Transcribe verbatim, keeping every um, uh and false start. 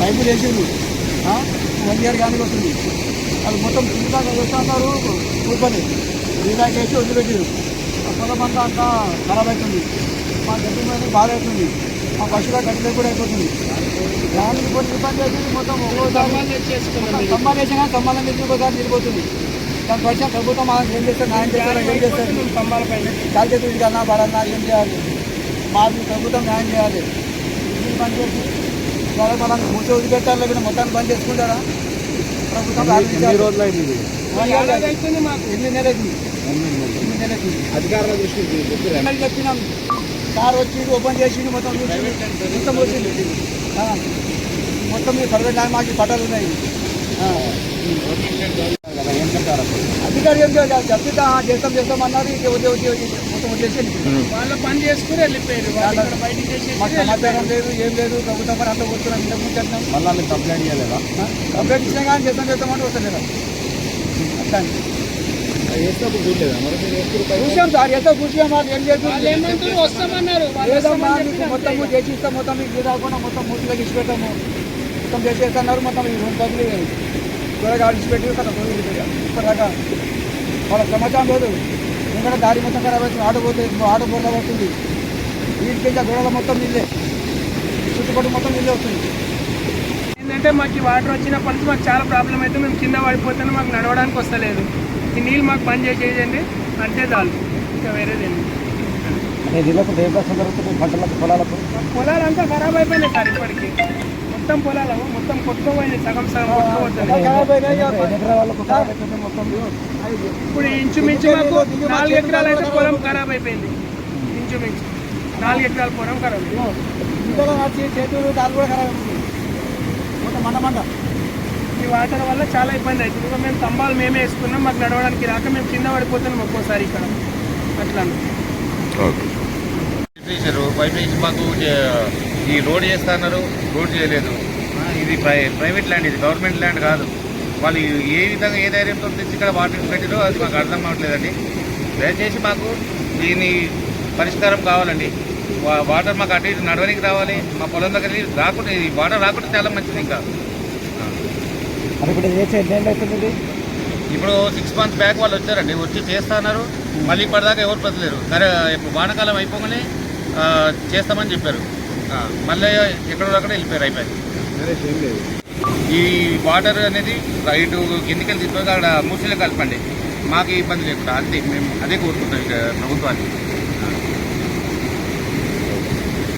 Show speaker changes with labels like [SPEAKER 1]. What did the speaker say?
[SPEAKER 1] పైపులు వేసిండు one year కానీ వస్తుంది. అది మొత్తం ఇందాక వేస్తున్నారు కూర్చొని ఇందాక వేసి వదిలిపెట్టారు. ఆ పొలం అంతా అంతా ఖరాబ్ అవుతుంది. మా గడ్డి మీద బాధ అవుతుంది. మా పశువుల గడ్డి కూడా అయిపోతుంది. దానికి కొన్ని ఇబ్బంది అవుతుంది. మొత్తం సమ్మాన్ వేసినా సమ్మానం తెచ్చి ఒకసారి నిలిపోతుంది. దాని పరిచయం ప్రభుత్వం ఏం చేస్తారు, న్యాయం చేస్తారు, ఏం చేస్తారు స్తంభాల పైన కాల్చేతుడి కన్నా బడన్నా ఏం చేయాలి? మాకు ప్రభుత్వం న్యాయం చేయాలి. ఇది బంద్ చేసి మనం మూసి వదిలిపెట్టాలి, లేకపోతే మొత్తాన్ని బంద్ చేసుకుంటారా ప్రభుత్వం? రోజులు అయింది మాకు ఎన్ని నెలకి ఎన్ని నెలకి అధికారుల దృష్టి చెప్పినాం. కార్ వచ్చి ఓపెన్ చేసి మొత్తం మొత్తం వచ్చింది. మొత్తం ప్రైవేట్ ల్యాండ్ మాకు పట్టాలు ఉన్నాయి. అధికారి ఏం చేయాలి? చెప్తా చేస్తాం చేస్తాం అన్నారు. మొత్తం వచ్చేసి వాళ్ళు పని చేసుకుని వెళ్ళిపోయారు. మాకు సమాచారం లేదు, ఏం లేదు. ప్రభుత్వం పని అంతా కూర్చున్నాం. ఇంతకు ముందు చెప్తాం. మళ్ళీ కంప్లైంట్ చేయలేదా? కంప్లైంట్ ఇచ్చినా కానీ చేస్తాం చేస్తామంటే వస్తలేదా? అట్లా చూసాం సార్, ఎంతో కూర్చున్నాం. మాకు ఏం చేస్తాం వస్తామన్నారు. మొత్తం చేసి ఇస్తాం. మొత్తం మీకు రాకుండా మొత్తం మూర్తిగా ఇచ్చి పెట్టాము. మొత్తం చేసేస్తున్నారు. మొత్తం ఈ రెండు బదులు త్వరగా ఆడిచిపెట్టి ఇప్పటిదాకా వాళ్ళ సమాచారం లేదు. ఎందుకంటే దారి మొత్తం ఖరాబ్ అవుతుంది. ఆటో పోతే ఆటో బోర్లా వస్తుంది. వీటికి గొడవల మొత్తం నీళ్ళే, చుట్టుపక్కల మొత్తం నీళ్ళే వస్తుంది. ఏంటంటే మాకు ఈ వాటర్ వచ్చినప్పటి నుంచి మాకు చాలా ప్రాబ్లం అయితే మేము కింద పడిపోతేనే మాకు నడవడానికి వస్తలేదు. ఈ నీళ్ళు మాకు పని చేసేయండి అంటే చాలు, ఇంకా వేరేదేండి. పంటలకు పొలాలకు పొలాలంతా ఖరాబ్ అయిపోయినాయి సార్. ఇప్పటికి మొత్తం పొలాలు మొత్తం కొట్టుకోపోయింది. సగం సగం కొట్టుకోపోతుంది. ఇప్పుడు ఇంచుమించు మాకు నాలుగు ఎకరాలు అయితే పొలం ఖరాబ్ అయిపోయింది. ఇంచుమించు నాలుగు ఎకరాల పొలం ఖరాబ్ అయింది. చేతులు దాని కూడా ఖరాబ్ అయిపోయింది మొత్తం మండ మండ. ఈ వాటర్ వల్ల చాలా ఇబ్బంది అవుతుంది. ఇంకా మేము స్తంభాలు మేమే వేసుకున్నాం. మాకు నడవడానికి రాక మేము కింద పడిపోతున్నాం ఒక్కోసారి ఇక్కడ. అట్లా
[SPEAKER 2] పైప్ వేసి మాకు ఈ రోడ్ చేస్తున్నారు, రోడ్ చేయలేదు. ఇది ప్రై ప్రైవేట్ ల్యాండ్, ఇది గవర్నమెంట్ ల్యాండ్ కాదు. వాళ్ళు ఏ విధంగా ఏ ధైర్యంతో తెచ్చి ఇక్కడ వాటర్ పెట్టారో అది మాకు అర్థం అవ్వట్లేదండి. దయచేసి మాకు దీని పరిష్కారం కావాలండి. వాటర్ మాకు అటు ఇటు నడవడానికి రావాలి. మా పొలం దగ్గర రాకుండా ఈ వాటర్ రాకుండా చాలా మంచిది. ఇంకా ఇప్పుడు సిక్స్ మంత్స్ బ్యాక్ వాళ్ళు వచ్చారండి, వచ్చి చేస్తున్నారు. మళ్ళీ ఇప్పటిదాకా ఎవరు బతలేరు. సరే వానాకాలం అయిపోగానే చేస్తామని చెప్పారు. మళ్ళీ ఎక్కడో అక్కడ వెళ్ళిపోయారు, అయిపోయింది. ఈ వాటర్ అనేది ఇటు కిందికి వెళ్ళి తీసుకొని అక్కడ మూసీలో కలపండి, మాకు ఇబ్బంది లేకుండా. అంతే, మేము అదే కోరుకుంటాం ఇక ప్రభుత్వాన్ని.